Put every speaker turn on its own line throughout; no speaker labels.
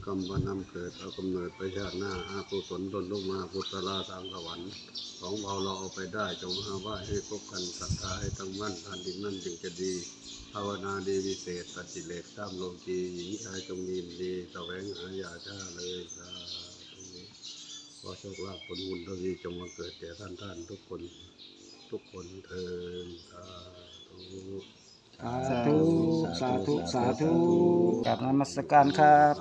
กรรมวันนำเกิดเอากำเนิดไปชาติหน้าอากุศลตนลงมาพุทธลาทางสวรรค์ของเราเอาไปได้จงหาว่าให้พบกันศรัทธาให้ตั้งมั่นทันดินนั่นจึงจะดีภาวนาดีวิเศษตัดกิเลสตามโลกีหญิงชายจงยินดีแสวงหาอย่าช้าเลยสาธุขอโชคลาภผลบุญเท่านี้จงมาเกิดแก่ท่านทุกคนเถิดสาธุ
สาธุสาธุกราบนมัสการครับ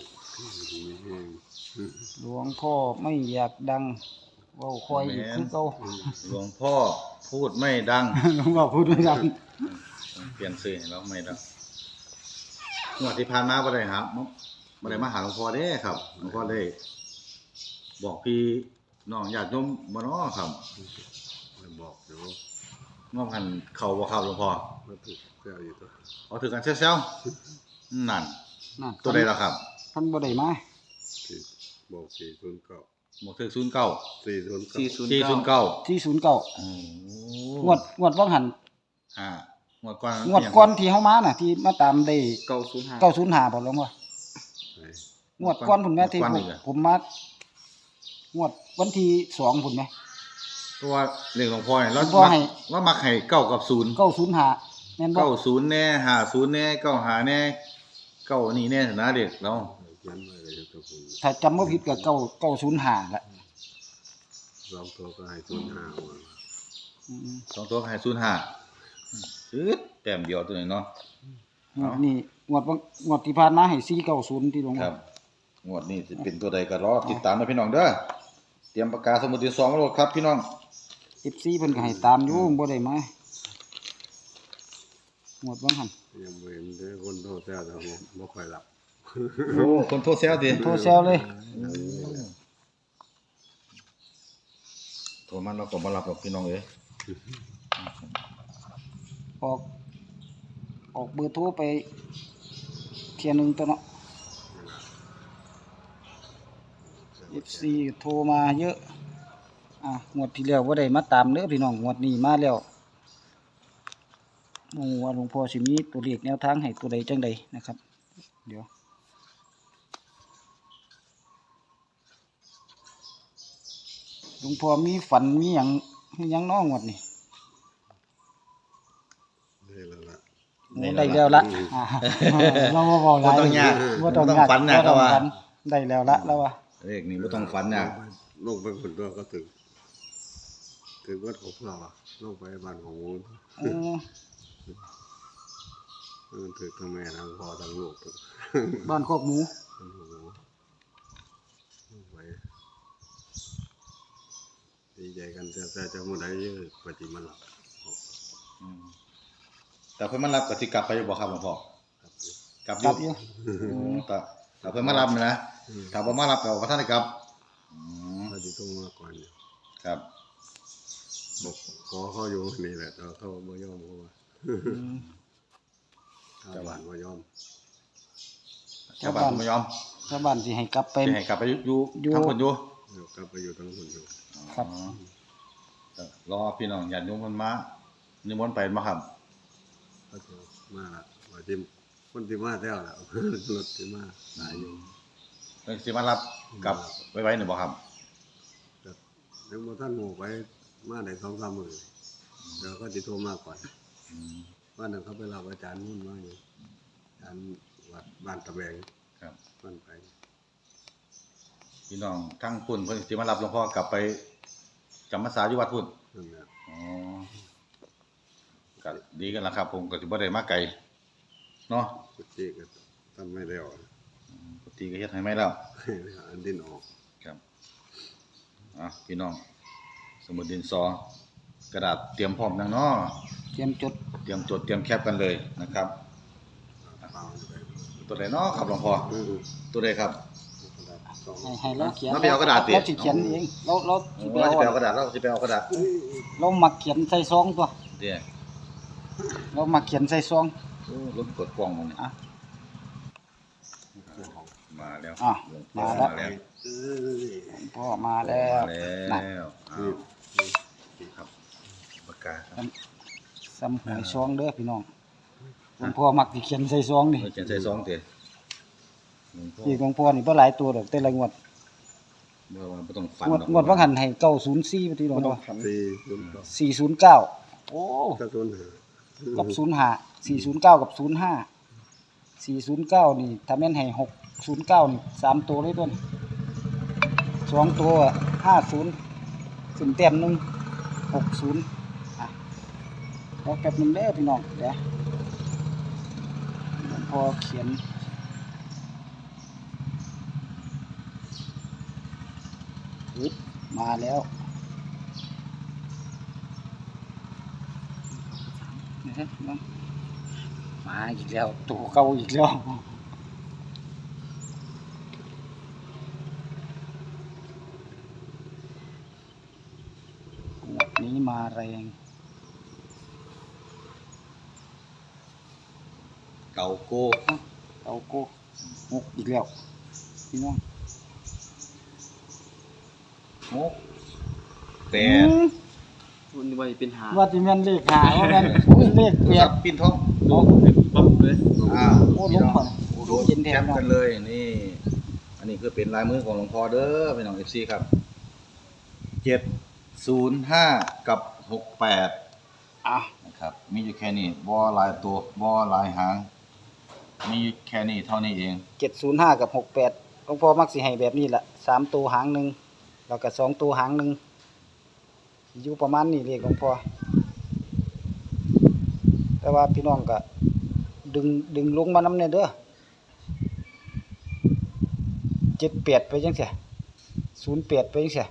หลวงพ่อไม่อยากดังเว้าคอยอีกคือเก่า
หลวงพ่อพูดไม่ดัง
หลวงพ่อพูดไม่ดัง
เปลี่ยนชื่อให้เราไม่ดังงวดที่ผ่านมาบ่ได้ครับบ่ได้มาหาหลวงพ่อเด้ครับหลวงพ่อได้บอกพี่น้องญาติโยมบ่เนาะครับ
ไม่บอกเดี๋ยว
งอมหันเข้าบ่ครับหลวงพ่อ
มาถูกแก้วอยู่ตัว
เอาถือกันเซลๆนั่น
นั่น
ตัวใดล่ะครับ
ท่านบ่ได้มา
ที่บอก409
บอกถือ09
409
409
409
โอ้
งวดว่างหัน
งวดก่อน
งวดก่อนที่เฮามาน่ะที่มาตามได้
905
905บ่หลวงพ่อ งวดก่อนพุ่นแม่ที่ผมมางวดวันที่2พุ่นแม่
ตัวเลขหลวงพ่อเนี่ย
หลวงพ่อให้
เรามักให้9กับ0
905แม่นบ่
90แน่50แน่95แน่9นี่แน่นะเด็กเรา
เขียนไว้เลยตัวผม
ถ้าจำบ่ผิดก็905ละ
สองตัวก็ให้05มา
อืม
สองตัวให้05ซื้อแต้มเดียวตัวนี้เนาะ
งวดนี้งวดที่ผ่านมาให้490ที่หลวง
ค
พ่
รั
อบ
งวดนี้สิเป็นตัวใดก็รอติดตามนะพี่น้องเด้อเตรียมปากกาสมุดดินสอมาโหลดครับพี่น้อง
FC เพิ่นก็ให้ตามอยู่บ่ได้มางวดว่างหัน
ยังไม่เห็นได้คนโทษแท้แต่ผมไม่ค่อยหลับ
โอ้คนโทรแซวดิ
โทรแซวเลย
โทรมาเราก็บ่รับหรอกพี่น้องเอ้ย
ออกเบอร์โทรไปเที่ยหนึงตัวเนาะ FC โทรมาเยอะงวดที่แล้วบ่ได้มาตามเด้อพี่น้องงวดนี้มาแล้วว่าหลวงพ่อสิมีตัวเลขแนวทางให้ตัวใดจังใดนะครับเดี๋ยวหลวงพ่อมีฝันมีหยังน้องงวดนี่
ได้แล้วล่ะ
โอ้ได้แล้วละเราบ่เว้าหลาย
บ่ต้องยาก
บ่ต้อง
บ่ต้อง
ยาก
ฝันนะ
บ่ต้อง
ก็ว่า
ฝันได้แล้วละแล้วว่า
เลขนี้บ่ต้องฝันยาก
ลงไปคนตัวก็ถึงวัดของเราอะลงไปบ้านของมูล
อืม
มันถึงทั้งแม่ทั้งพ่อทั้งลูกทั้ง
บ้านโคกหมู
ทั้งหมูลงไปดีใจกันแต่จะมื้อใดเยอะปฏิมาหลับ
อืมแต่เพิ่นมารับก็สิกลับไปอยู่บ่ครับหลวงพ่อ
ครับ
กลับอยู่
กลับอยู่
แต่เพิ่นมารับนะถ้าบ่มารับก็บ่ทันได้กลับอืม
เขาจะต้องมาก่อนเนี่ย
ครับ
บอกขอเขาอยู่นี่แหละแต่เขาไม่ยอมเขาว่า
อืม
ชาวบ้านไม่ยอม
ชาวบ้านบ่ยอม
ชาวบ้านสิให้กลับไป
สิให้กลับไปอยู่
อยู่
ทางเพิ่นอยู่
เดี๋ยวกลับไปอยู่ทั้งคนอยู่
ครับ
รอพี่น้องญาติโยมเพิ่นมานิมนต์ไปมาครับ
เขาจะมาละว่าที่คนที่มาแล้วล่ะ รถที่มาหลายอยู่
เพิ่นสิมารับกลับไว้นี่บ่ครับ
แต่ยังบ่ท่านหมู่ไปมาได้2-3มื้อเดี๋ยวเขาจะโทรมาก่อน
อืม
ว่านั่นเขาไปรับอาจารย์มุ่นมาอยู่อาจารย์วัดบ้านตะแบง
ครับ
บ้านไป
พี่น้องทั้งพุ่นเพิ่นสิมารับหลวงพ่อกลับไปจำพรรษาอยู่วัดพุ่น
นั่นแหละ
อ๋อก็ดีกันละครับ ผมก็สิบ่ได้มาไกลเนาะ
กุฏิก็ทำไม่แล้ว
ปกติก็เฮ็ดให้ไม่แล้ว
อันดินออก
ครับพี่น้องสมุดดินสอกระดาษเตรียมพร้อมนังเนาะ
เตรียมจด
เตรียมจดเตรียมแคปกันเลยนะครับ
เปล่าอยู่ไป
ตัวใดเนาะครับหลวงพ่อตัวใดครับ
กระดาษสอง
ให้เราเขียน
เราไปเอากระดาษดิ
เราสิเขียนเองเราสิไป
เรา
เอา
จะไปเอากระดาษเราจะไปเอากระดาษ
เรามักเขียนใส่ซองตัว
เดี๋ยว
เรามักเขียนใส่ซอง
รถกดกล้องมันนี่
อ่ะ
มาแล้ว
อ่ะ
หลวงพ่อ
มาแล้ว
มาแล้ว
พ่อมาแล้ว
มาแล้วอ้าวครับปากกาครับ
ซ้ำหวยซองเด้อพี่น้องหลวงพ่อมักสิเขียนใส่ซองนี่
เขียนใส่ซองเตะหลวงพ่อ
เลขหลวงพ่อนี่บ่หลายตัวดอกแต่ละงวด
บ่ว่าบ่ต้องฝัน
งวด
ดอก
งวดว่าหันให้904บ่ที่หลวงพ่อ 409โอ้
ก็ต้นหา
กับ05 409กับ05 409นี่ถ้าแม่นให้609นี่3ตัวเลยต้น2ตัว50ขึ้นแต้มหนึง60อ่ะรอแป๊บนึงเด้อพี่น้องเดี๋ยวหลวงพ่อเขียนปึ๊บมาแล้วนะครับน้องมาอีกแล้วตัวเก่าอีกแล้วงวดนี้มาแรง
เก่าโก้
เอาโก้งกอีกแล้วพี่น้อง
งกแต่
มันว่าเป็นหา
ว่าที่แม่นเลขหาว่าแม่นอุ้ยเลขเปีย
ครั
ก
บปิ้นท้อง
เอา
ปั๊บเลย
อ้าว
โอ้
พี่
ลง
น้อง
ก่อน
โอ้โห
เย็นแท
แคน ป
เนาะ
กันเลยนี่ อันนี้คือเป็นลายมือของหลวงพ่อเด้อพี่น้อง FC ครับ705กับ68
อ่ะ
นะครับมีอยู่แค่นี้บ่หลายตัวบ่หลายหาง มีอยู่แค่นี้เท่านี้เอง
705กับ68หลวงพ่อมักสิให้แบบนี้ล่ะ3ตัวหางหนึงแล้วก็2ตัวหางหนึงอยู่ประมาณนี้เลขหลวงพ่อแต่ว่าพี่น้องก็ดึงลงมานำเนี่ยเด้อ78ไปจังซี่08ไปจังซี่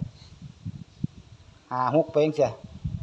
56ไปจังซี่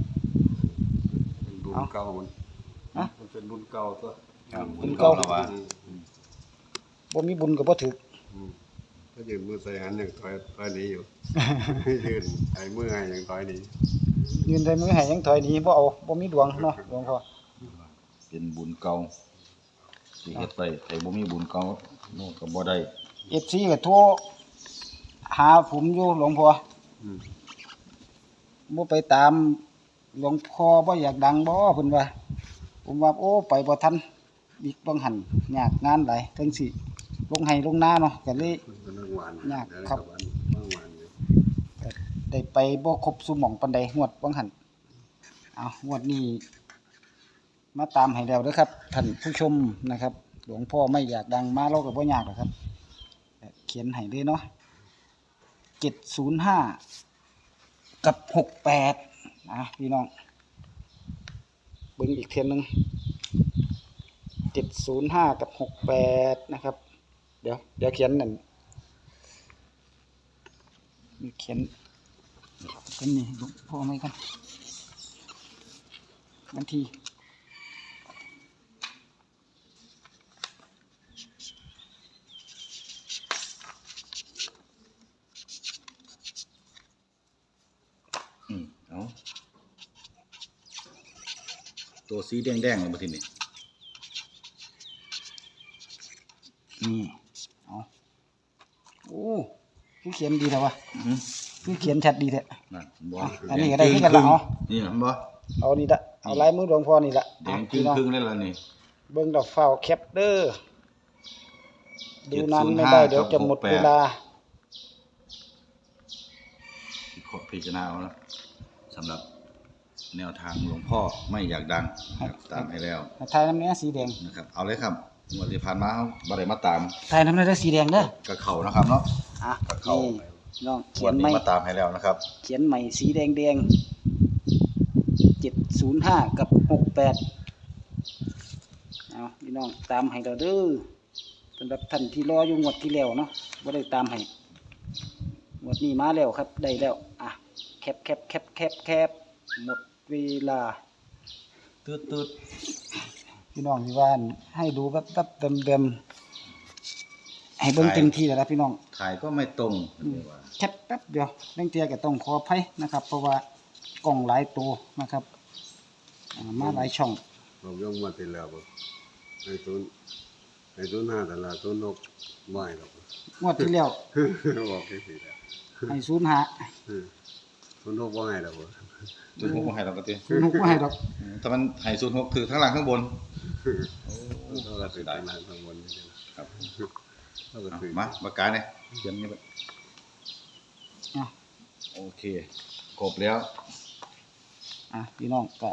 เป็นบุญเก่ามัน
ฮะ
มันเป็นบุญเก่าตัว
ครับ
บุญเก่า
แล้วว่า
บ่มีบุญก็บ่ถึก
ก็ยืนมือใส่หันอย่างถอยหนี้อยู่ ยืนใส่มือให้อย่างถอยหนี้
ยืนได้มือให้ยังถอยหนีบ่เอาบ่มีดวงเนาะหลวงพ่อ
เป็นบุญเก่าสิเฮ็ดไปแต่บ่มีบุญเก่าโน่นก็บ่ได้
FC ก็โทรหาผมอยู่หลวงพ่อ
อืม
บ่ไปตามหลวงพ่อบ่อยากดังบ่เพิ่นว่า ผมว่าโอ้ไปบ่ทันอีกบางหันยากงานหลายจังสิลงไห้ลงนาเนาะก็เลย
มันก็นั่งหวาน
ยากครับ
นั่งหวานอยู่
ได้ไปบ่ครบซุหม่องปานใดงวดบางหันเอางวดนี้มาตามให้แล้วเด้อครับท่านผู้ชมนะครับ หลวงพ่อไม่อยากดังมาเราก็บ่ยากหรอกครับเขียนให้เลยเนาะ705กับ68นะพี่น้องเบิ่งอีกเทียนหนึง705กับ68นะครับเดี๋ยวเขียนนั่นมีเขียนกันนี่หลวงพ่อไหมกันวันที่
เอาตัวสีแดงๆเลยบ่ทีนี้
นี่เอาโอ้คือเขียนดีแล้ววะ
อื้อหือ
คือเขียนชัดดีแท้
นั่นบ่
อันนี้ก็ได้คือกันละเอา
นี่นะบ่
เอานี่ละเอาลายมือหลวงพ่อนี่ละ
แดงจึ
พี่
ง
น้อง
ครึ่งเลยล่ะนี่
เบิ่งดอกฟ้าวแคปเด้อดูนานไม่ได้เดี๋ยวจะหมดเวลา
ขอพิจารณาเอานะสำหรับแนวทางหลวงพ่อไม่อยากดังนะครับตามให้แล้ว
ทายน้ำเนี้ยสีแดง
นะครับ เอาเลยครับงวดที่ผ่านมาเขาบ่ได้มาตาม
ทายน้ำเนี้ยสีแดงเด้อ
กับเขานะครับเนาะ
อ่ะ
ก็เข้า
นี่น้อง
ง
เขี
วย ด
น
นี้
ใหม่
มาตามให้แล้วนะครับ
เขียนใหม่สีแดง705กับ68เอาพี่น้องตามให้เราเด้อสำหรับท่านที่รออยู่งวดที่แล้วเนาะบ่ได้ตามให้งวดนี้มาแล้วครับได้แล้วอ่ะแคปหมดเวลา
ตืด
พี่น้องที่ว่าให้ดูแบบเดิมๆให้เบิ่งเต็มที่แล้วนะพี่น้อง
ถ่ายก็ไม่ตรงเรียกว่า
แคปแป๊บเดียวเร่งเตียก็ต้องขออภัยนะครับ เพราะว่ากล้องหลายตัวนะครับมาหลายช่อง
ผมยกมาติดแล้วบ่ให้ศูนย์ห้าแต่ละศูนย์หกไม่หรอก
งวดที่แล้ว
บอกแค่สิแล้ว
ให้ศูนย์หา
ศูนย์หกว่าไงหรอกบ่
ศูนย์หกบ่ให้เราก็ติ
ศูนย์หกก็ให้ดอก
ถ้ามันให้ศูนย์หกคือทั้งหลังข้างบน
เราก็ติดตั้งนานข้างบนนี่
ครับ
ถ้าก็ถือ
มาปากกาเนี่ยเขียนนี่ไป
อ่ะ
โอเคครบแล้ว
พี่น้องก็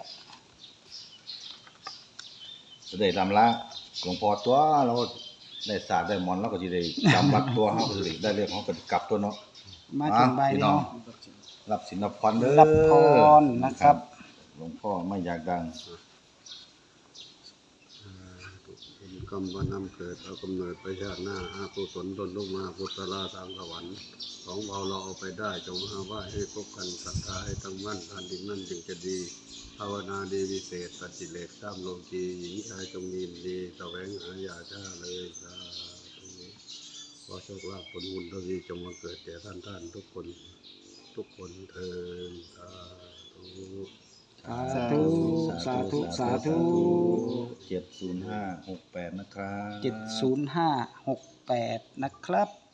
จะได้ลำละหลวงพ่อตัวเราได้ศาสตร์ได้หมอนเราก็จะได้จำวัดตัวเขาก็จะได้เรื่องของกันกลับตัวเนาะ
มาถึงใบ
พี่
นี้
น้อง
เนาะ
รับสินรับพรเด้อ
รับพรนะครับ
หลวงพ่อไม่อยากดัง
เป็นกรรมว่านำเกิดเอากำเนิดไปชาติหน้าอากุศลตนลงมาพุทธลาสามสวรรค์ของเราเอาไปได้จงหาว่าให้พบกันศรัทธาให้ตั้งมั่นทานดินนั่นจึงจะดีภาวนาดีวิเศษตัดกิเลสตามโลกีหญิงชายจงมีดีแสวงหาอย่าช้าเลยสาธุขอโชคลาภผลบุญทวีจงมาเกิดแก่ท่านทุกคนเถิดสาธุ
สาธุสาธุ
70568นะครับ
70568นะครับ